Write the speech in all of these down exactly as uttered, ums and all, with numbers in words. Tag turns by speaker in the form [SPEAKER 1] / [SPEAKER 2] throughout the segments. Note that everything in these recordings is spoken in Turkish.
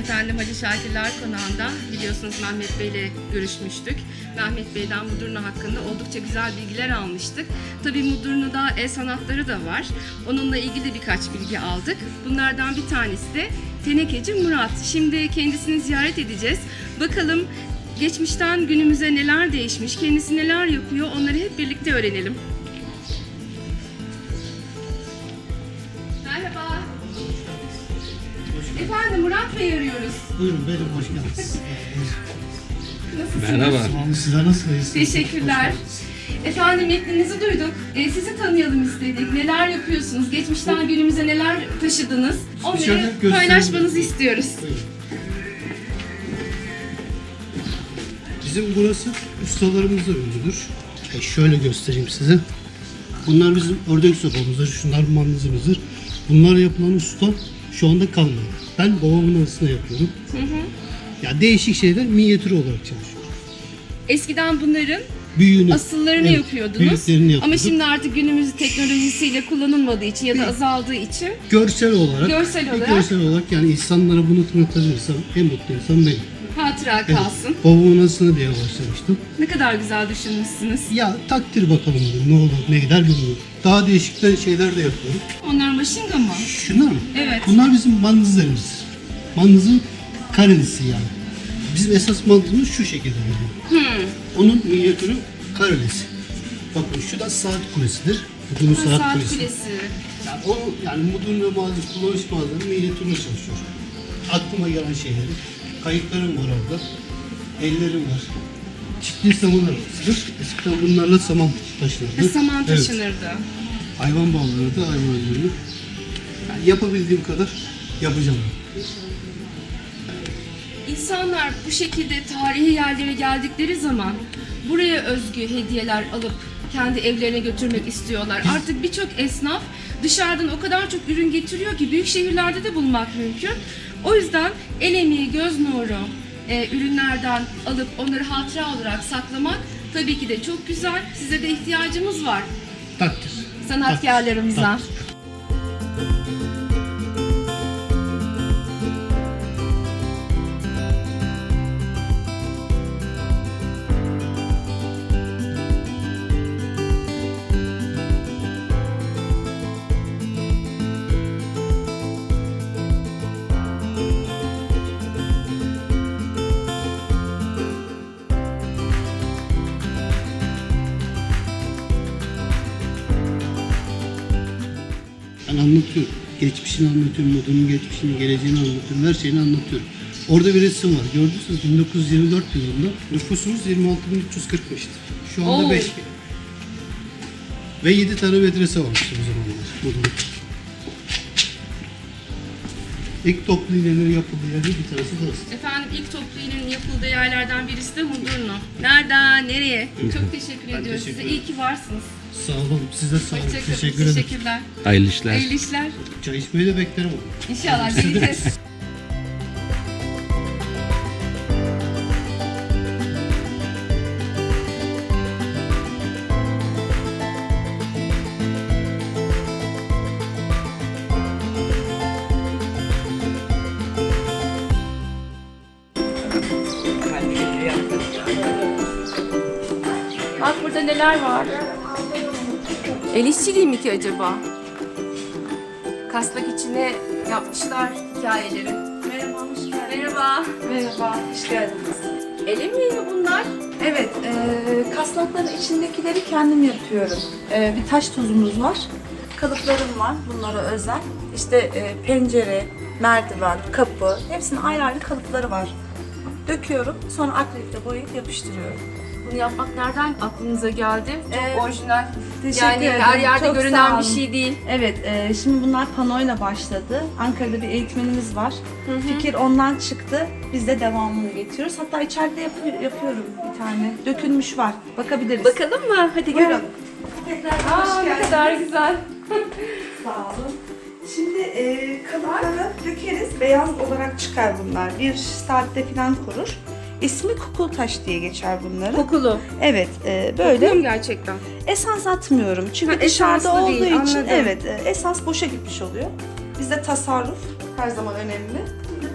[SPEAKER 1] efendim Hacı Şakirler Konağı'nda biliyorsunuz Mehmet Bey ile görüşmüştük. Mehmet Bey'den Mudurnu hakkında oldukça güzel bilgiler almıştık. Tabii Mudurnu'da el sanatları da var. Onunla ilgili birkaç bilgi aldık. Bunlardan bir tanesi de Tenekeci Murat. Şimdi kendisini ziyaret edeceğiz. Bakalım geçmişten günümüze neler değişmiş, kendisi neler yapıyor, onları hep birlikte öğrenelim. Merhaba. Efendim Murat Bey arıyoruz.
[SPEAKER 2] Buyurun benim, hoş geldiniz.
[SPEAKER 1] Nasılsınız?
[SPEAKER 3] Merhaba.
[SPEAKER 2] Tamam, sizler nasılsınız?
[SPEAKER 1] Teşekkürler. Efendim metninizi duyduk. Ee, sizi tanıyalım istedik. Neler yapıyorsunuz? Geçmişten günümüze neler taşıdınız?
[SPEAKER 2] Şöyle
[SPEAKER 1] Onları
[SPEAKER 2] göstereyim.
[SPEAKER 1] paylaşmanızı istiyoruz.
[SPEAKER 2] Buyurun. Bizim burası ustalarımızla ünlüdür. E şöyle göstereyim size. Bunlar bizim ördek sopamızdır, şunlar mandızımızdır. Bunlar yapılan usta şu anda kalmadı. Ben babamın anısına yapıyorum.
[SPEAKER 1] Hı hı.
[SPEAKER 2] Ya değişik şeyler minyatür olarak çalışıyor.
[SPEAKER 1] Eskiden bunların
[SPEAKER 2] Büyüğünü,
[SPEAKER 1] asıllarını
[SPEAKER 2] evet,
[SPEAKER 1] yapıyordunuz.
[SPEAKER 2] büyüklerini yapıyorduk.
[SPEAKER 1] Ama şimdi artık günümüz teknolojisiyle kullanılmadığı için ya da
[SPEAKER 2] Bir-
[SPEAKER 1] azaldığı için
[SPEAKER 2] Görsel olarak,
[SPEAKER 1] Görsel
[SPEAKER 2] bir
[SPEAKER 1] olarak.
[SPEAKER 2] görsel olarak yani insanlara bunu tanıtabilirsem en mutlu insan benim.
[SPEAKER 1] hatıra
[SPEAKER 2] Evet.
[SPEAKER 1] kalsın.
[SPEAKER 2] Babamın anısına diye başlamıştım.
[SPEAKER 1] Ne kadar güzel düşünmüşsünüz.
[SPEAKER 2] Ya takdir bakalım dedim, ne olur ne gider bilmiyorum. Daha değişik de şeyler de yapıyorum.
[SPEAKER 1] Onlar maşinga mı?
[SPEAKER 2] Şunlar mı?
[SPEAKER 1] Evet.
[SPEAKER 2] Bunlar bizim mandızlarımız. Mandızın karelisi yani. Bizim esas mandızımız şu şekilde geliyor.
[SPEAKER 1] Hmm.
[SPEAKER 2] Onun minyatürü karelisi. Bakın şu da saat kulesidir. Mudurnu
[SPEAKER 1] Ha,
[SPEAKER 2] saat,
[SPEAKER 1] saat
[SPEAKER 2] kulesi.
[SPEAKER 1] kulesi.
[SPEAKER 2] Yani o yani Mudurnu ve malzeme, kullanış malzemeleri minyatürüne çalışıyor. Aklıma gelen şeyleri. Kayıklarım var orada. Ellerim var. Çiftli saman arabasıdır. Eskiden bunlarla saman taşınırdı.
[SPEAKER 1] Ve saman
[SPEAKER 2] Evet.
[SPEAKER 1] taşınırdı.
[SPEAKER 2] Hayvan bağlanırdı, hayvan öldürülür. Yani yapabildiğim kadar yapacağım.
[SPEAKER 1] İnsanlar bu şekilde tarihi yerlere geldikleri zaman buraya özgü hediyeler alıp kendi evlerine götürmek istiyorlar. Artık birçok esnaf dışarıdan o kadar çok ürün getiriyor ki büyük şehirlerde de bulmak mümkün. O yüzden el emeği, göz nuru e, ürünlerden alıp onları hatıra olarak saklamak tabii ki de çok güzel. Size de ihtiyacımız var
[SPEAKER 2] Takdir.
[SPEAKER 1] sanatkarlarımıza.
[SPEAKER 2] Takdir. Ben anlatıyorum. Geçmişini anlatıyorum, Mudurnu'nun geçmişini, geleceğini anlatıyorum, her şeyini anlatıyorum. Orada bir resim var. Gördünüz bin dokuz yüz yirmi dört yılında nüfusumuz yirmi altı bin üç yüz kırkmıştı. Şu anda
[SPEAKER 1] Oo.
[SPEAKER 2] beş bin. Ve yedi tane medrese varmış o zamanlar Mudurnu. İlk toplu iğnelerin yapıldığı yerde bir tanesi burası.
[SPEAKER 1] Efendim ilk toplu iğnenin yapıldığı yerlerden birisi de Mudurnu. Nereden, nereye? Çok teşekkür
[SPEAKER 2] Ben
[SPEAKER 1] ediyoruz
[SPEAKER 2] teşekkür
[SPEAKER 1] size.
[SPEAKER 2] ederim.
[SPEAKER 1] İyi ki varsınız.
[SPEAKER 2] Sağ olun, size sağ olun.
[SPEAKER 1] Hoşçakalın.
[SPEAKER 2] Teşekkür ederim.
[SPEAKER 1] Teşekkürler.
[SPEAKER 3] Hayırlı işler.
[SPEAKER 1] Hayırlı işler.
[SPEAKER 2] Çay içmeyi de beklerim onu.
[SPEAKER 1] İnşallah geleceğiz. Bak burada neler var. El işçiliği mi ki acaba? Kasnak içine yapmışlar hikayeleri.
[SPEAKER 4] Merhaba, hoş geldiniz.
[SPEAKER 1] Merhaba.
[SPEAKER 4] Merhaba, hoş geldiniz.
[SPEAKER 1] El emeği mi bunlar?
[SPEAKER 4] Evet, e, kasnakların içindekileri kendim yapıyorum. E, bir taş tuzumuz var, kalıplarım var bunlara özel. İşte e, pencere, merdiven, kapı, hepsinin ayrı ayrı kalıpları var. Döküyorum, sonra akrilikle boyayıp yapıştırıyorum.
[SPEAKER 1] Bunu yapmak nereden aklınıza geldi? Çok
[SPEAKER 4] Ee,
[SPEAKER 1] orijinal.
[SPEAKER 4] Teşekkür
[SPEAKER 1] Yani
[SPEAKER 4] ederim.
[SPEAKER 1] her yerde
[SPEAKER 4] Çok sağ
[SPEAKER 1] görünen bir
[SPEAKER 4] olun.
[SPEAKER 1] şey değil.
[SPEAKER 4] Evet, e, şimdi bunlar panoyla başladı. Ankara'da bir eğitmenimiz var. Fikir ondan çıktı. Biz de devamını getiriyoruz. Hatta içeride yapı- yapıyorum bir tane. Dökülmüş var. Bakabiliriz.
[SPEAKER 1] Bakalım mı? Hadi
[SPEAKER 4] Buyurun.
[SPEAKER 1] görün.
[SPEAKER 4] Tekrar
[SPEAKER 1] Aa,
[SPEAKER 4] hoş
[SPEAKER 1] ne
[SPEAKER 4] geldiniz.
[SPEAKER 1] kadar güzel.
[SPEAKER 4] Sağ olun. Şimdi e, kalıpları dökeriz. Beyaz olarak çıkar bunlar. Bir saatte falan kurur. İsmi kukultaş diye geçer bunların.
[SPEAKER 1] Kokulu.
[SPEAKER 4] Evet, e,
[SPEAKER 1] Böyle
[SPEAKER 4] böyle.
[SPEAKER 1] mi gerçekten?
[SPEAKER 4] Esans atmıyorum. Çünkü
[SPEAKER 1] Ha,
[SPEAKER 4] dışarıda
[SPEAKER 1] esanslı
[SPEAKER 4] olduğu
[SPEAKER 1] değil,
[SPEAKER 4] için
[SPEAKER 1] anladım.
[SPEAKER 4] evet, e, esans boşa gitmiş oluyor. Bizde tasarruf her zaman önemli. Şimdi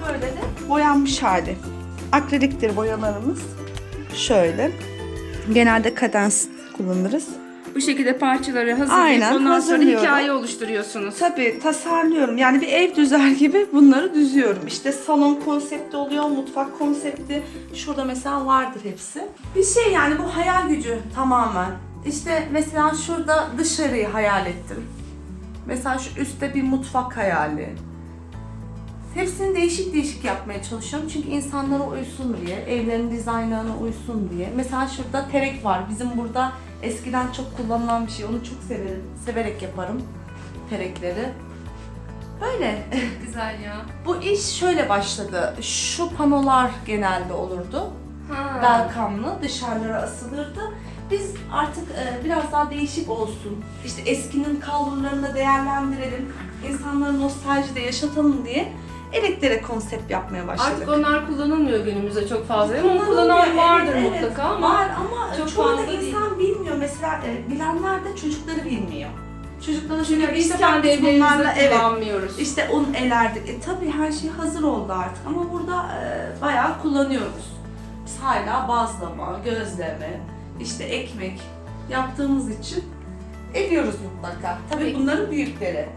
[SPEAKER 4] böyle de boyanmış hali. Akriliktir boyalarımız. Şöyle. Genelde kadens kullanırız.
[SPEAKER 1] Bu şekilde parçaları hazırlayıp
[SPEAKER 4] Aynen,
[SPEAKER 1] ondan sonra
[SPEAKER 4] hazırlıyorum.
[SPEAKER 1] hikaye oluşturuyorsunuz.
[SPEAKER 4] Tabii tasarlıyorum. Yani bir ev düzer gibi bunları düzüyorum. İşte salon konsepti oluyor, mutfak konsepti. Şurada mesela vardır hepsi. Bir şey yani bu hayal gücü tamamen. İşte mesela şurada dışarıyı hayal ettim. Mesela şu üstte bir mutfak hayali. Hepsini değişik değişik yapmaya çalışıyorum çünkü insanlara uysun diye, evlerin dizaynlarına uysun diye. Mesela şurada terek var. Bizim burada eskiden çok kullanılan bir şey. Onu çok severim, severek yaparım terekleri. Böyle.
[SPEAKER 1] Güzel ya.
[SPEAKER 4] Bu iş şöyle başladı. Şu panolar genelde olurdu.
[SPEAKER 1] Ha.
[SPEAKER 4] Welcome'lı dışarılara asılırdı. Biz artık e, biraz daha değişik olsun. İşte eskinin kalburlarını da değerlendirelim. İnsanları nostaljide yaşatalım diye elektere konsept yapmaya başladık.
[SPEAKER 1] Artık onlar kullanılmıyor günümüzde çok fazla ama
[SPEAKER 4] Kullanılmıyor,
[SPEAKER 1] kullanan vardır
[SPEAKER 4] evet, evet.
[SPEAKER 1] mutlaka ama
[SPEAKER 4] var ama
[SPEAKER 1] çok
[SPEAKER 4] çoğu da
[SPEAKER 1] fazla değil.
[SPEAKER 4] insan bilmiyor. Mesela e, bilenler de çocukları bilmiyor. Çocuklara
[SPEAKER 1] çünkü
[SPEAKER 4] şöyle
[SPEAKER 1] biz
[SPEAKER 4] işte
[SPEAKER 1] kendi
[SPEAKER 4] bak biz bunlarla
[SPEAKER 1] evlerimizde
[SPEAKER 4] evet
[SPEAKER 1] kullanmıyoruz.
[SPEAKER 4] işte un elerdik. E tabii her şey hazır oldu artık ama burada e, bayağı kullanıyoruz. Biz hala bazlama, gözleme, işte ekmek yaptığımız için ediyoruz mutlaka. Tabii
[SPEAKER 1] Peki.
[SPEAKER 4] bunların büyükleri.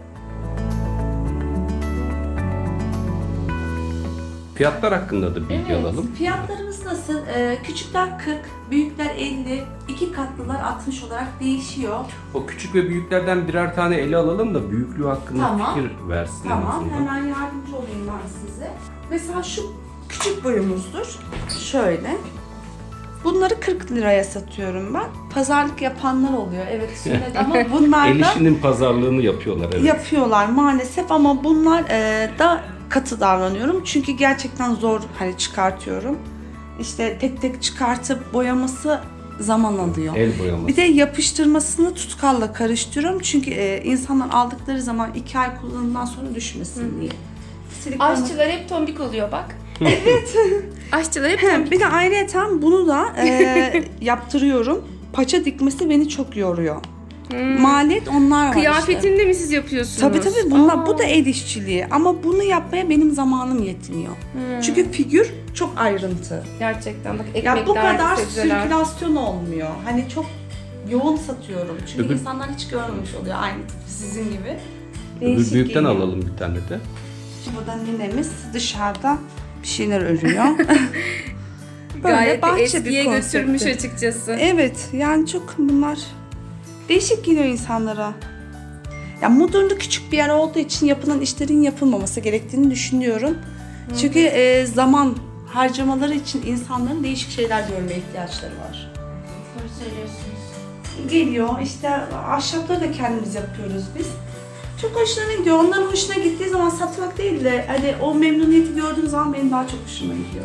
[SPEAKER 3] Fiyatlar hakkında da bilgi alalım.
[SPEAKER 4] Fiyatlarımız nasıl? Ee, küçükler kırk, büyükler elli, iki katlılar altmış olarak değişiyor.
[SPEAKER 3] O küçük ve büyüklerden birer tane ele alalım da büyüklüğü hakkında
[SPEAKER 4] Tamam.
[SPEAKER 3] fikir versin. en
[SPEAKER 4] Tamam,
[SPEAKER 3] azından.
[SPEAKER 4] hemen yardımcı olayım ben size. Mesela şu küçük boyumuzdur. Şöyle. Bunları kırk liraya satıyorum ben. Pazarlık yapanlar oluyor. Evet, sünnet ama bunlar
[SPEAKER 3] El
[SPEAKER 4] da
[SPEAKER 3] işinin pazarlığını yapıyorlar. Evet.
[SPEAKER 4] yapıyorlar maalesef ama bunlar e, da katı davranıyorum. Çünkü gerçekten zor hani çıkartıyorum. İşte tek tek çıkartıp boyaması zaman alıyor.
[SPEAKER 3] El boyaması.
[SPEAKER 4] Bir de yapıştırmasını tutkalla karıştırıyorum. Çünkü e, insanlar aldıkları zaman iki ay kullanımdan sonra düşmesin diye. Silikonu-
[SPEAKER 1] Aşçılar hep tombik oluyor bak. Evet. Aşçılar hep tombik.
[SPEAKER 4] Bir de ayrıyeten bunu da e, yaptırıyorum. Paça dikmesi beni çok yoruyor. Maliyet onlar var işte.
[SPEAKER 1] Kıyafetini de mi siz yapıyorsunuz?
[SPEAKER 4] Tabii tabii bunlar,
[SPEAKER 1] Aa.
[SPEAKER 4] bu da el işçiliği ama bunu yapmaya benim zamanım yetmiyor. Çünkü figür çok ayrıntı.
[SPEAKER 1] Gerçekten bak ekmekler,
[SPEAKER 4] Ya bu kadar
[SPEAKER 1] sebzeler.
[SPEAKER 4] sirkülasyon olmuyor. Hani çok yoğun satıyorum. Çünkü
[SPEAKER 3] Öbür-
[SPEAKER 4] insanlar hiç görmemiş oluyor aynı sizin gibi.
[SPEAKER 3] Öbür
[SPEAKER 4] Değişik
[SPEAKER 3] büyükten
[SPEAKER 4] geliyor.
[SPEAKER 3] alalım bir tane de.
[SPEAKER 4] Burada ninemiz dışarıda bir şeyler örüyor. Böyle
[SPEAKER 1] Gayet de
[SPEAKER 4] bahçe
[SPEAKER 1] eskiye
[SPEAKER 4] bir
[SPEAKER 1] götürmüş
[SPEAKER 4] konsepti.
[SPEAKER 1] açıkçası.
[SPEAKER 4] Evet yani çok bunlar değişik geliyor insanlara. Ya Mudurnu küçük bir yer olduğu için yapılan işlerin yapılmaması gerektiğini düşünüyorum. Çünkü e, zaman harcamaları için insanların değişik şeyler görmeye ihtiyaçları var.
[SPEAKER 1] Doğru söylüyorsunuz.
[SPEAKER 4] Geliyor işte ahşapları da kendimiz yapıyoruz biz. Çok hoşlarına gidiyor. Onların hoşuna gittiği zaman satmak değil de hani o memnuniyeti gördüğüm zaman benim daha çok hoşuma gidiyor.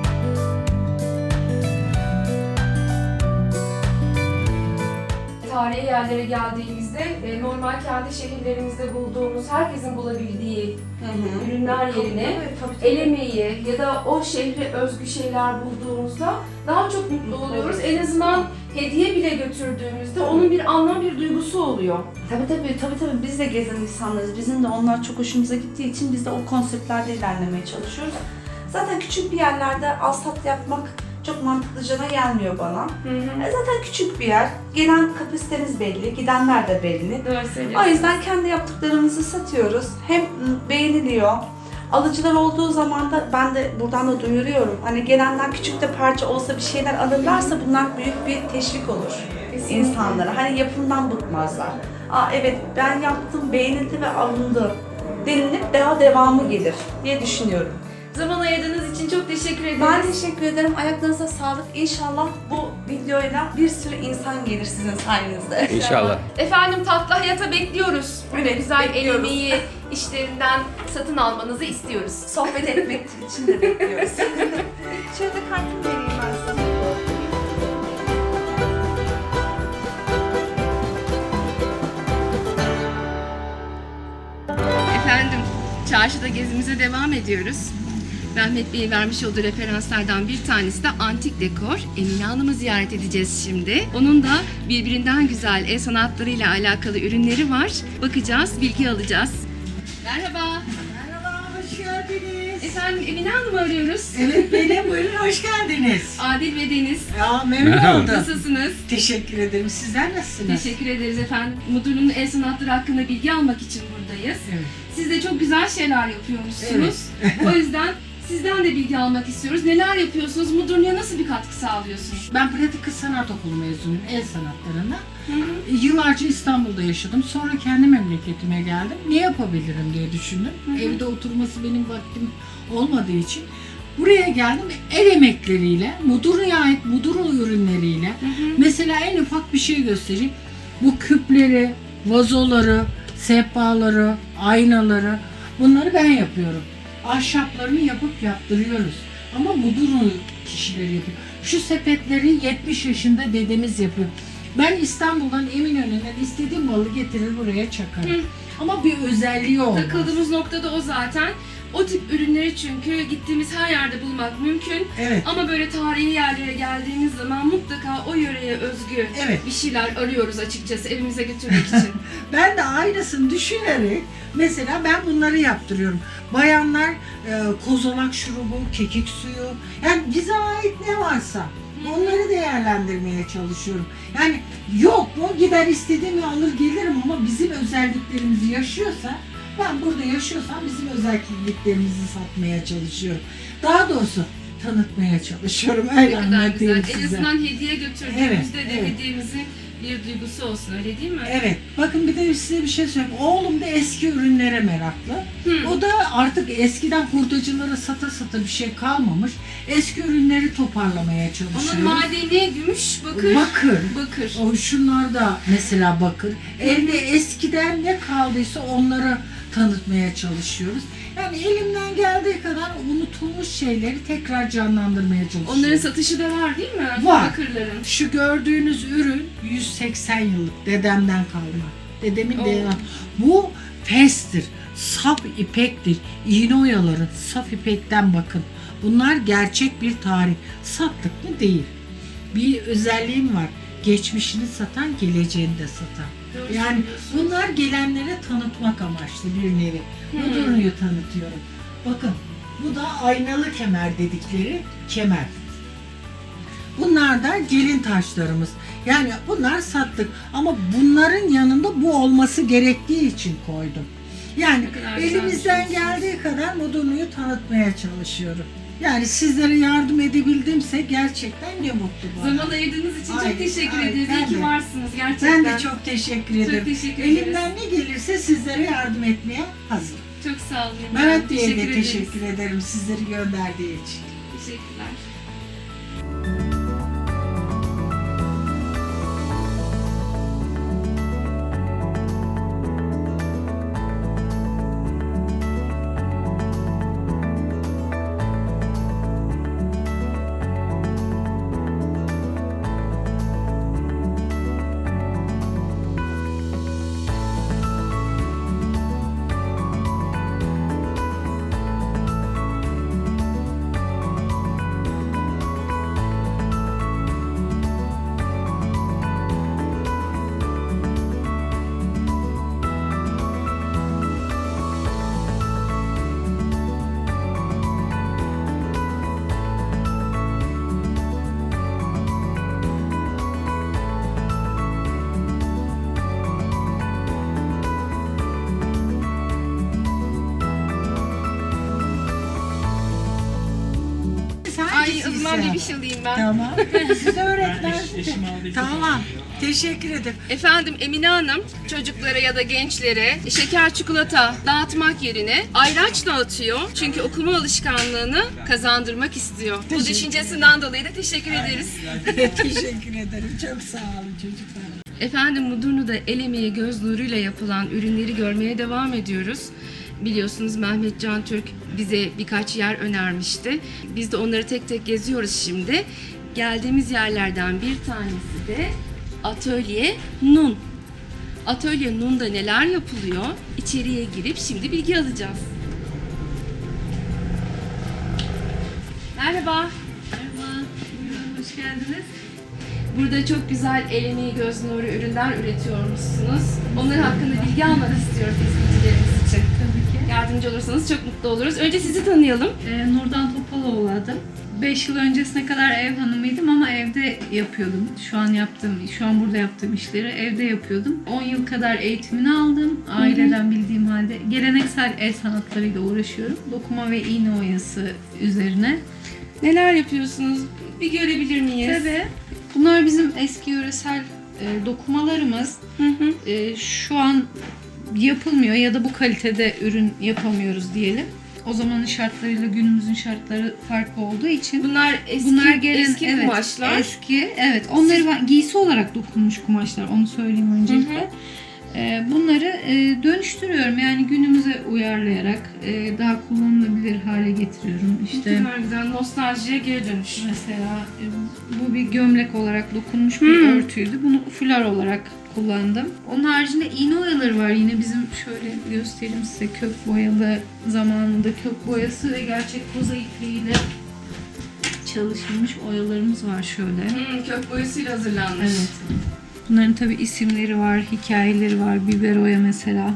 [SPEAKER 1] Tarihi yerlere geldiğimizde e, normal kendi şehirlerimizde bulduğumuz, herkesin bulabildiği ürünler yerine
[SPEAKER 4] Evet, tabii, tabii.
[SPEAKER 1] el emeği ya da o şehre özgü şeyler bulduğumuzda daha çok mutlu oluyoruz. En azından hediye bile götürdüğümüzde onun bir anlam, bir duygusu oluyor.
[SPEAKER 4] Tabii tabii tabii tabii biz de gezen insanlarız. Bizim de onlar çok hoşumuza gittiği için biz de o konseptlerde ilerlemeye çalışıyoruz. Zaten küçük bir yerlerde alsat yapmak çok mantıklıcana gelmiyor bana. E zaten küçük bir yer. Gelen kapasitemiz belli, gidenler de belli.
[SPEAKER 1] Doğru
[SPEAKER 4] O
[SPEAKER 1] söylüyorsun.
[SPEAKER 4] yüzden kendi yaptıklarımızı satıyoruz. Hem beğeniliyor. Alıcılar olduğu zaman da ben de buradan da duyuruyorum. Hani gelenler küçük de parça olsa bir şeyler alırlarsa bunlar büyük bir teşvik olur
[SPEAKER 1] Kesinlikle.
[SPEAKER 4] insanlara. Hani yapımdan bıkmazlar. Aa evet ben yaptım, beğenildi ve alındı denilip daha devamı gelir diye düşünüyorum.
[SPEAKER 1] Zaman ayırdığınız için çok teşekkür ederiz.
[SPEAKER 4] Ben teşekkür ederim. Ayaklarınıza sağlık. İnşallah bu videoyla bir sürü insan gelir sizin sayenizde.
[SPEAKER 3] İnşallah.
[SPEAKER 1] Efendim tatlı hayata bekliyoruz. Böyle
[SPEAKER 4] Evet,
[SPEAKER 1] güzel el
[SPEAKER 4] bekliyoruz.
[SPEAKER 1] emeği işlerinden satın almanızı istiyoruz.
[SPEAKER 4] Sohbet etmek için de bekliyoruz. Şöyle kartımı vereyim ben size.
[SPEAKER 1] Efendim, çarşıda gezimize devam ediyoruz. Mehmet Bey'in vermiş olduğu referanslardan bir tanesi de antik dekor. Emine Hanım'ı ziyaret edeceğiz şimdi. Onun da birbirinden güzel el sanatlarıyla alakalı ürünleri var. Bakacağız, bilgi alacağız. Merhaba.
[SPEAKER 5] Merhaba, hoş geldiniz.
[SPEAKER 1] Efendim Emine Hanım'ı arıyoruz.
[SPEAKER 5] Evet benim, buyurun hoş geldiniz.
[SPEAKER 1] Adil ve Deniz.
[SPEAKER 5] Ya memnun
[SPEAKER 3] Merhaba.
[SPEAKER 5] oldum.
[SPEAKER 1] Nasılsınız?
[SPEAKER 5] Teşekkür ederim. Sizler nasılsınız?
[SPEAKER 1] Teşekkür ederiz efendim. Mudurnu'nun el sanatları hakkında bilgi almak için buradayız.
[SPEAKER 5] Evet.
[SPEAKER 1] Siz de çok güzel şeyler yapıyormuşsunuz. O yüzden sizden de bilgi almak istiyoruz. Neler yapıyorsunuz? Mudurnu'ya nasıl bir katkı sağlıyorsunuz?
[SPEAKER 5] Ben pratik kız sanat okulu mezunuyum, el sanatlarından.
[SPEAKER 1] Hı hı.
[SPEAKER 5] Yıllarca İstanbul'da yaşadım. Sonra kendi memleketime geldim. Ne yapabilirim diye düşündüm.
[SPEAKER 1] Hı hı.
[SPEAKER 5] Evde oturması benim vaktim olmadığı için buraya geldim. El emekleriyle, Mudurnu'ya ait Mudurnu ürünleriyle,
[SPEAKER 1] Hı hı.
[SPEAKER 5] mesela en ufak bir şey göstereyim. Bu küpleri, vazoları, sehpaları, aynaları, bunları ben yapıyorum. Ahşaplarını yapıp yaptırıyoruz. Ama Mudurnu kişileri yapıyor. Şu sepetleri yetmiş yaşında dedemiz yapıyor. Ben İstanbul'dan Eminönü'nden istediğim malı getirir buraya çakarım.
[SPEAKER 1] Hı.
[SPEAKER 5] Ama bir özelliği olmaz.
[SPEAKER 1] Takıldığımız nokta da o zaten. O tip ürünleri çünkü gittiğimiz her yerde bulmak mümkün.
[SPEAKER 5] Evet.
[SPEAKER 1] Ama böyle tarihi yerlere geldiğimiz zaman mutlaka o yöreye özgü
[SPEAKER 5] Evet.
[SPEAKER 1] bir şeyler arıyoruz açıkçası evimize götürmek için.
[SPEAKER 5] Ben de aynısını düşünerek mesela ben bunları yaptırıyorum. Bayanlar e, kozalak şurubu, kekik suyu, yani bize ait ne varsa onları değerlendirmeye çalışıyorum. Yani yok mu gider istediğimi alır gelirim ama bizim özelliklerimizi yaşıyorsa, ben burada yaşıyorsam bizim özelliklerimizi satmaya çalışıyorum. Daha doğrusu tanıtmaya çalışıyorum. Öyle
[SPEAKER 1] Ne kadar güzel.
[SPEAKER 5] anlatayım
[SPEAKER 1] En
[SPEAKER 5] size.
[SPEAKER 1] azından hediye götürdüğümüzde
[SPEAKER 5] Evet,
[SPEAKER 1] de
[SPEAKER 5] evet.
[SPEAKER 1] hediyemizin bir duygusu olsun, öyle değil mi?
[SPEAKER 5] Evet. Bakın bir de size bir şey söyleyeyim. Oğlum da eski ürünlere meraklı.
[SPEAKER 1] Hı.
[SPEAKER 5] O da artık eskiden hurdacılara sata sata bir şey kalmamış. Eski ürünleri toparlamaya çalışıyor.
[SPEAKER 1] Onun madeni gümüş, bakır.
[SPEAKER 5] Bakır.
[SPEAKER 1] Bakır.
[SPEAKER 5] O şunlar da mesela bakır. Evde eskiden ne kaldıysa onları tanıtmaya çalışıyoruz. Yani elimden geldiği kadar unutulmuş şeyleri tekrar canlandırmaya çalışıyorum.
[SPEAKER 1] Onların satışı da var değil mi?
[SPEAKER 5] Var.
[SPEAKER 1] Bakırların.
[SPEAKER 5] Şu gördüğünüz ürün yüz seksen yıllık dedemden kalma. Dedemin
[SPEAKER 1] Oo.
[SPEAKER 5] dedem. Bu festir, saf ipektir. İğne oyaları saf ipekten bakın. Bunlar gerçek bir tarih. Sattık mı? Değil. Bir özelliğim var. Geçmişini satan, geleceğini de satan.
[SPEAKER 1] Doğru
[SPEAKER 5] Yani
[SPEAKER 1] söylüyorsun.
[SPEAKER 5] bunlar gelenlere tanıtmak amaçlı bir nevi.
[SPEAKER 1] Hmm.
[SPEAKER 5] Mudurnu'yu tanıtıyorum. Bakın bu da aynalı kemer dedikleri kemer. Bunlar da gelin taşlarımız. Yani bunlar sattık ama bunların yanında bu olması gerektiği için koydum. Yani
[SPEAKER 1] Ne kadar güzel
[SPEAKER 5] elimizden
[SPEAKER 1] düşünmüşsünüz.
[SPEAKER 5] geldiği kadar Mudurnu'yu tanıtmaya çalışıyorum. Yani sizlere yardım edebildimse gerçekten ne mutlu bana.
[SPEAKER 1] Zaman ayırdığınız için
[SPEAKER 5] Ay,
[SPEAKER 1] çok teşekkür
[SPEAKER 5] ay,
[SPEAKER 1] ederiz.
[SPEAKER 5] ben
[SPEAKER 1] İyi ki
[SPEAKER 5] de.
[SPEAKER 1] varsınız gerçekten.
[SPEAKER 5] Ben de çok teşekkür ederim.
[SPEAKER 1] teşekkür ederiz.
[SPEAKER 5] Elimden ne gelirse sizlere yardım etmeye hazırım.
[SPEAKER 1] Çok sağ olun.
[SPEAKER 5] Mehmet Bey'e de
[SPEAKER 1] ederiz.
[SPEAKER 5] teşekkür ederim sizleri gönderdiği için.
[SPEAKER 1] Teşekkürler. Ay o zaman bir şey alayım ben.
[SPEAKER 5] Tamam. Size öğretmen. Tamam. Teşekkür ederim.
[SPEAKER 1] Efendim Emine Hanım çocuklara ya da gençlere şeker çikolata dağıtmak yerine ayraç dağıtıyor. Çünkü okuma alışkanlığını kazandırmak istiyor. Bu
[SPEAKER 5] Teşekkür
[SPEAKER 1] düşüncesinden dolayı da teşekkür ederiz.
[SPEAKER 5] Teşekkür ederim. Çok sağ olun çocuklar.
[SPEAKER 1] Efendim Mudurnu'da el emeği göz nuruyla yapılan ürünleri görmeye devam ediyoruz. Biliyorsunuz Mehmet Can Türk bize birkaç yer önermişti. Biz de onları tek tek geziyoruz şimdi. Geldiğimiz yerlerden bir tanesi de Atölye Nun. Atölye Nun'da neler yapılıyor? İçeriye girip şimdi bilgi alacağız. Merhaba. Merhaba. Buyurun, hoş geldiniz. Burada çok güzel el emeği göz nuru ürünler üretiyormuşsunuz. Onlar hakkında bilgi almak istiyoruz izleyicilerimiz için.
[SPEAKER 6] Tabii ki.
[SPEAKER 1] yardımcı olursanız çok mutlu oluruz. Önce sizi tanıyalım.
[SPEAKER 6] Ee, Nurdan Topaloğlu adım. beş yıl öncesine kadar ev hanımıydım ama evde yapıyordum. Şu an yaptığım, şu an burada yaptığım işleri evde yapıyordum. on yıl kadar eğitimini aldım. Aileden bildiğim halde geleneksel el sanatlarıyla uğraşıyorum. Dokuma ve iğne oyası üzerine.
[SPEAKER 1] Neler yapıyorsunuz? Bir görebilir miyiz?
[SPEAKER 6] Tabii. Bunlar bizim eski yöresel e, dokumalarımız.
[SPEAKER 1] Hı hı.
[SPEAKER 6] E, şu an yapılmıyor ya da bu kalitede ürün yapamıyoruz diyelim. O zamanın şartlarıyla günümüzün şartları farklı olduğu için
[SPEAKER 1] Bunlar eski,
[SPEAKER 6] bunlar gelen
[SPEAKER 1] eski
[SPEAKER 6] evet,
[SPEAKER 1] kumaşlar.
[SPEAKER 6] Eski, evet. Onları ben giysi olarak dokunmuş kumaşlar. Onu söyleyeyim öncelikle.
[SPEAKER 1] Hı hı.
[SPEAKER 6] Ee, bunları e, dönüştürüyorum. Yani günümüze uyarlayarak e, daha kullanılabilir hale getiriyorum.
[SPEAKER 1] Ne
[SPEAKER 6] İşte
[SPEAKER 1] kadar güzel, nostaljiye geri dönüş.
[SPEAKER 6] mesela e, bu bir gömlek olarak dokunmuş bir
[SPEAKER 1] Hmm.
[SPEAKER 6] örtüydü. Bunu fular olarak kullandım. Onun haricinde iğne oyaları var. Yine bizim şöyle göstereyim size, kök boyalı, zamanında kök boyası ve gerçek koza ipliğiyle çalışılmış oyalarımız var şöyle.
[SPEAKER 1] Hmm, kök boyasıyla hazırlanmış.
[SPEAKER 6] Evet. Bunların tabi isimleri var, hikayeleri var. Biber oya mesela.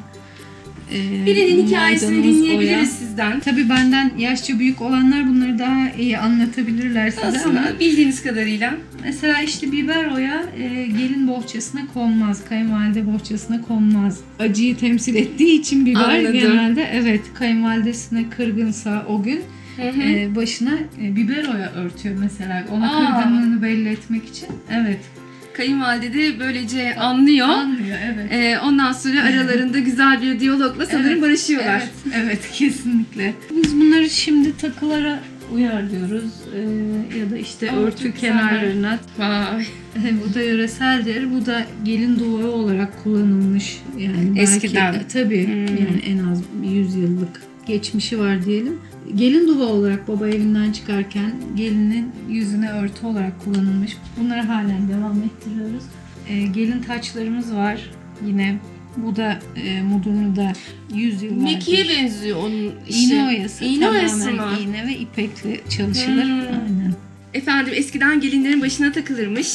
[SPEAKER 6] Ee,
[SPEAKER 1] Birinin hikayesini
[SPEAKER 6] maydanoz
[SPEAKER 1] dinleyebiliriz
[SPEAKER 6] oya.
[SPEAKER 1] sizden.
[SPEAKER 6] Tabii benden yaşça büyük olanlar bunları daha iyi anlatabilirler size ama
[SPEAKER 1] Aslında bildiğiniz kadarıyla.
[SPEAKER 6] mesela işte biber oya e, gelin bohçasına konmaz, kayınvalide bohçasına konmaz. Acıyı temsil ettiği için biber
[SPEAKER 1] Anladım.
[SPEAKER 6] genelde evet kayınvalidesine kırgınsa o gün
[SPEAKER 1] Hı hı.
[SPEAKER 6] e, başına e, biber oya örtüyor mesela. Ona
[SPEAKER 1] Aa.
[SPEAKER 6] kırgınlığını belli etmek için. Evet.
[SPEAKER 1] Kayınvalide de böylece anlıyor.
[SPEAKER 6] Anlıyor evet.
[SPEAKER 1] Ee, ondan sonra aralarında güzel bir diyalogla sanırım
[SPEAKER 6] Evet,
[SPEAKER 1] barışıyorlar.
[SPEAKER 6] Evet, evet kesinlikle. Biz bunları şimdi takılara uyarlıyoruz ee, ya da işte
[SPEAKER 1] Aa,
[SPEAKER 6] örtü
[SPEAKER 1] çok güzeller.
[SPEAKER 6] kenarlarına.
[SPEAKER 1] Vay.
[SPEAKER 6] Bu da yöreseldir. Bu da gelin duvarı olarak kullanılmış. Yani belki,
[SPEAKER 1] Eskiden.
[SPEAKER 6] tabii
[SPEAKER 1] Hmm.
[SPEAKER 6] yani en az yüz yıllık geçmişi var diyelim. Gelin duva olarak baba evinden çıkarken gelinin yüzüne örtü olarak kullanılmış. Bunları halen devam ettiriyoruz. Ee, gelin taçlarımız var yine. Bu da e, modunu da yüz yıllardır.
[SPEAKER 1] Mekiğe benziyor onun işi.
[SPEAKER 6] İğne oyası.
[SPEAKER 1] İğne oyası
[SPEAKER 6] tamamen
[SPEAKER 1] mı?
[SPEAKER 6] iğne ve ipekle çalışılır.
[SPEAKER 1] Hmm.
[SPEAKER 6] Aynen.
[SPEAKER 1] Efendim eskiden gelinlerin başına takılırmış.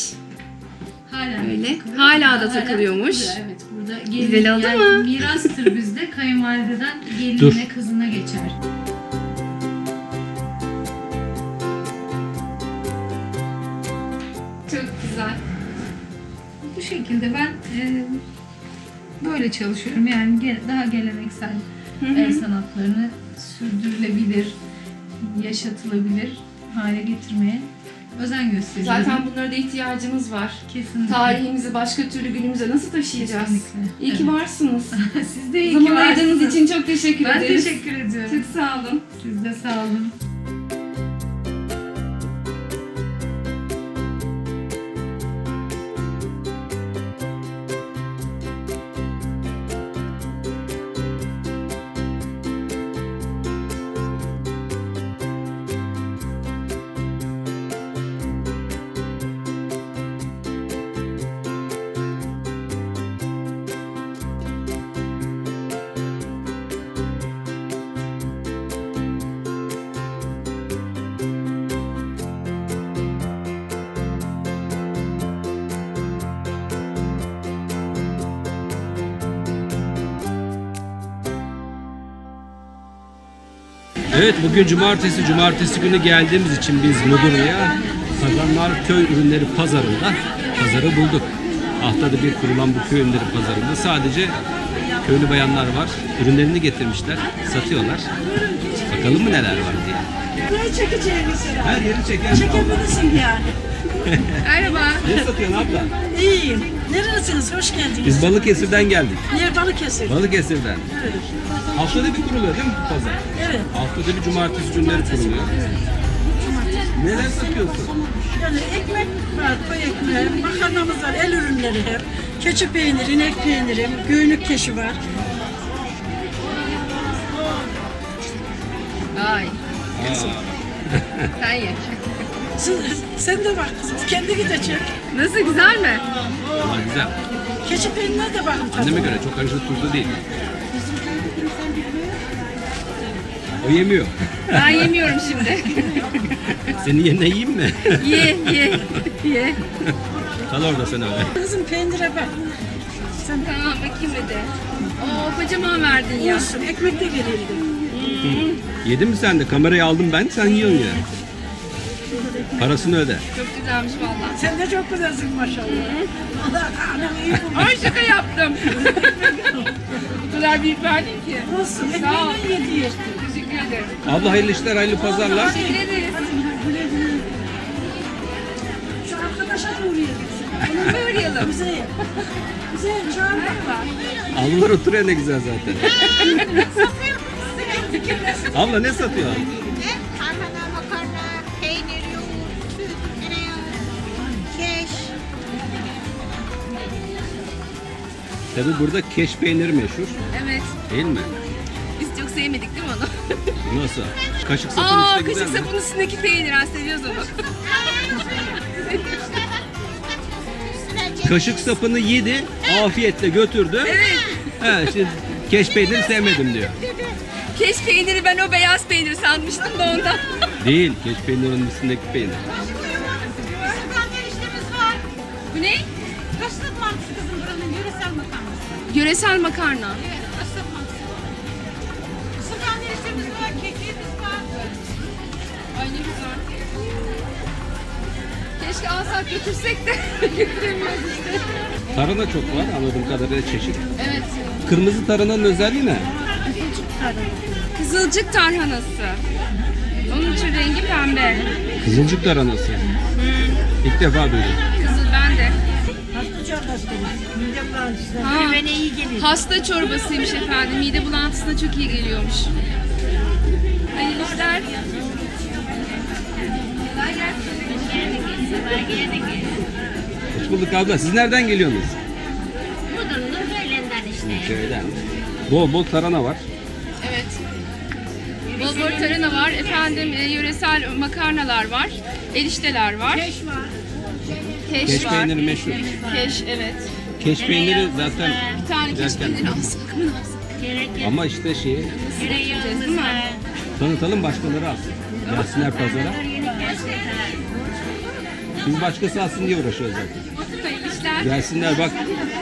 [SPEAKER 6] Hala
[SPEAKER 1] Öyle.
[SPEAKER 6] takılıyor.
[SPEAKER 1] Hala da takılıyormuş.
[SPEAKER 6] takılıyor, Evet burada gelin,
[SPEAKER 1] Güzel oldu
[SPEAKER 6] yani
[SPEAKER 1] mu?
[SPEAKER 6] mirastır bizde. Kayınvalideden gelinine
[SPEAKER 3] Dur.
[SPEAKER 6] kızına geçer.
[SPEAKER 1] Çok güzel.
[SPEAKER 6] Bu şekilde ben e, böyle çalışıyorum. Yani ge- daha geleneksel
[SPEAKER 1] Hı hı.
[SPEAKER 6] el sanatlarını sürdürülebilir, yaşatılabilir hale getirmeye özen gösteriyorum.
[SPEAKER 1] Zaten bunlara da ihtiyacımız var.
[SPEAKER 6] kesinlikle.
[SPEAKER 1] Tarihimizi başka türlü günümüze nasıl taşıyacağız?
[SPEAKER 6] Kesinlikle.
[SPEAKER 1] İyi ki
[SPEAKER 6] Evet.
[SPEAKER 1] varsınız.
[SPEAKER 6] Siz de iyi ki
[SPEAKER 1] Zaman ayırdığınız
[SPEAKER 6] varsınız.
[SPEAKER 1] için çok teşekkür
[SPEAKER 6] Ben
[SPEAKER 1] ederiz.
[SPEAKER 6] teşekkür ediyorum.
[SPEAKER 1] Çok sağ olun.
[SPEAKER 6] Siz de sağ olun.
[SPEAKER 3] Evet, bugün cumartesi. Cumartesi günü geldiğimiz için biz Mudurnu'ya Kazanlar Köy Ürünleri Pazarı'nda pazarı bulduk. Haftada bir kurulan bu köy ürünleri pazarında sadece köylü bayanlar var. Ürünlerini getirmişler, satıyorlar. Bakalım mı neler var diye.
[SPEAKER 7] Burayı çekeceğimiz
[SPEAKER 3] Her yeri çekelim.
[SPEAKER 7] Çekebilirsin yani.
[SPEAKER 1] Merhaba.
[SPEAKER 3] Ne satıyorsun abla?
[SPEAKER 7] İyiyim. Nerelisiniz? Hoş geldiniz.
[SPEAKER 3] Biz Balıkesir'den geldik.
[SPEAKER 7] Yer Balıkesir.
[SPEAKER 3] Balıkesir'den.
[SPEAKER 7] Evet.
[SPEAKER 3] Haftada bir kuruluyor değil mi bu pazar?
[SPEAKER 7] Evet.
[SPEAKER 3] Haftada bir cumartesi günleri kuruluyor. Neler satıyorsun?
[SPEAKER 7] Yani ekmek var, koy ekmeği, makarnamız var, el ürünleri hep. Keçi peyniri, inek peyniri, göğünlük keşi var.
[SPEAKER 1] Ay. Sen ye.
[SPEAKER 7] Sen, sen de bak kızım, kendi de çek.
[SPEAKER 1] Nasıl, güzel mi?
[SPEAKER 3] Aa, güzel.
[SPEAKER 7] Keçi peynirine de bakın tabii.
[SPEAKER 3] Anneme göre çok aşırı tuzlu değil. O yemiyor.
[SPEAKER 1] Ben yemiyorum şimdi.
[SPEAKER 3] Senin yerine yiyeyim mi?
[SPEAKER 1] ye ye ye.
[SPEAKER 3] Kal orada sen öyle.
[SPEAKER 7] Kızım peynire bak. Sen
[SPEAKER 1] Tamam bakayım hadi. Oo, kocaman verdin ya.
[SPEAKER 7] Olsun, ekmek de verildi.
[SPEAKER 3] Yedin mi sen de? Kamerayı aldım ben, sen yiyorsun ya. Parasını öde.
[SPEAKER 1] Çok güzelmiş vallahi.
[SPEAKER 7] Sen de çok güzelsin maşallah. Allah anam iyi bu.
[SPEAKER 1] Ay şaka yaptım. Bu kadar büyük verdin ki.
[SPEAKER 7] Olsun,
[SPEAKER 1] Sağ ol.
[SPEAKER 7] ekmeğinden yedi işte.
[SPEAKER 1] Teşekkür ederim.
[SPEAKER 3] Abla hayırlı işler, hayırlı pazarlar.
[SPEAKER 1] Teşekkür ederiz.
[SPEAKER 7] Şu arkadaşa da uğrayalım.
[SPEAKER 1] Onu uğrayalım.
[SPEAKER 7] Güzel. Güzel, çağır bak.
[SPEAKER 3] Ablalar oturuyor ne güzel zaten. Abla ne satıyor?
[SPEAKER 8] Tarhana, makarna, peynir, yoğurt, süt, tereyağı, keş.
[SPEAKER 3] Tabi burada keş peyniri meşhur,
[SPEAKER 1] Evet.
[SPEAKER 3] değil mi?
[SPEAKER 1] Biz çok sevmedik değil mi onu?
[SPEAKER 3] Nasıl? Kaşık sapın
[SPEAKER 1] Aa,
[SPEAKER 3] işte güzel
[SPEAKER 1] kaşık
[SPEAKER 3] mi?
[SPEAKER 1] sapın üstündeki peynir. Ha, seviyoruz onu.
[SPEAKER 3] Kaşık sapını yedi, afiyetle götürdü.
[SPEAKER 1] Evet.
[SPEAKER 3] He, şimdi keş peyniri sevmedim diyor.
[SPEAKER 1] Keş peyniri ben o beyaz peynir sanmıştım da ondan.
[SPEAKER 3] Değil, keş peynirinin üstündeki peynir.
[SPEAKER 8] Isırgan eriştemiz var.
[SPEAKER 1] Bu ne?
[SPEAKER 8] Kaslık mantısı kızım buranın yöresel makarnası.
[SPEAKER 1] Yöresel makarna.
[SPEAKER 8] Evet, kaslık mantısı. Isırgan eriştemiz var, kekiğimiz var.
[SPEAKER 1] Ay ne güzel. Keşke alsak götürsek de götüremiyoruz işte.
[SPEAKER 3] Tarhana çok var anladığım kadarıyla çeşit.
[SPEAKER 1] Evet.
[SPEAKER 3] Kırmızı tarhananın özelliği ne?
[SPEAKER 1] Kızılcık tarhanası. Onun için rengi pembe.
[SPEAKER 3] Kızılcık tarhanası. İlk defa duydum.
[SPEAKER 1] Kızıl ben de.
[SPEAKER 7] Hasta çorbası demiş. Midem bulantısı.
[SPEAKER 1] Ha,
[SPEAKER 7] Bana iyi geliyor.
[SPEAKER 1] hasta çorbasıymış efendim. Mide bulantısına çok iyi geliyormuş. Hayırlı işler.
[SPEAKER 3] Hoş bulduk abla. Siz nereden geliyorsunuz?
[SPEAKER 8] Mudurnu böylenden işte.
[SPEAKER 3] Köyden. Bol bol tarhana var.
[SPEAKER 1] Evet. Bol bol tarhana var. Efendim e, yöresel makarnalar var. Erişteler var. Keş var. Keş,
[SPEAKER 3] Keş
[SPEAKER 1] var.
[SPEAKER 3] peyniri meşhur.
[SPEAKER 1] Keş evet.
[SPEAKER 3] Keş peyniri zaten
[SPEAKER 1] Bir tane keş
[SPEAKER 3] Derken-
[SPEAKER 1] peyniri alsak mı ne alsak?
[SPEAKER 3] ama işte şeyi
[SPEAKER 1] Yiyeceğiz değil mi?
[SPEAKER 3] tanıtalım, başkaları alsın. Gelsinler pazara. Biz başkası alsın diye uğraşıyoruz zaten.
[SPEAKER 1] Hayırlı işler.
[SPEAKER 3] Gelsinler bak,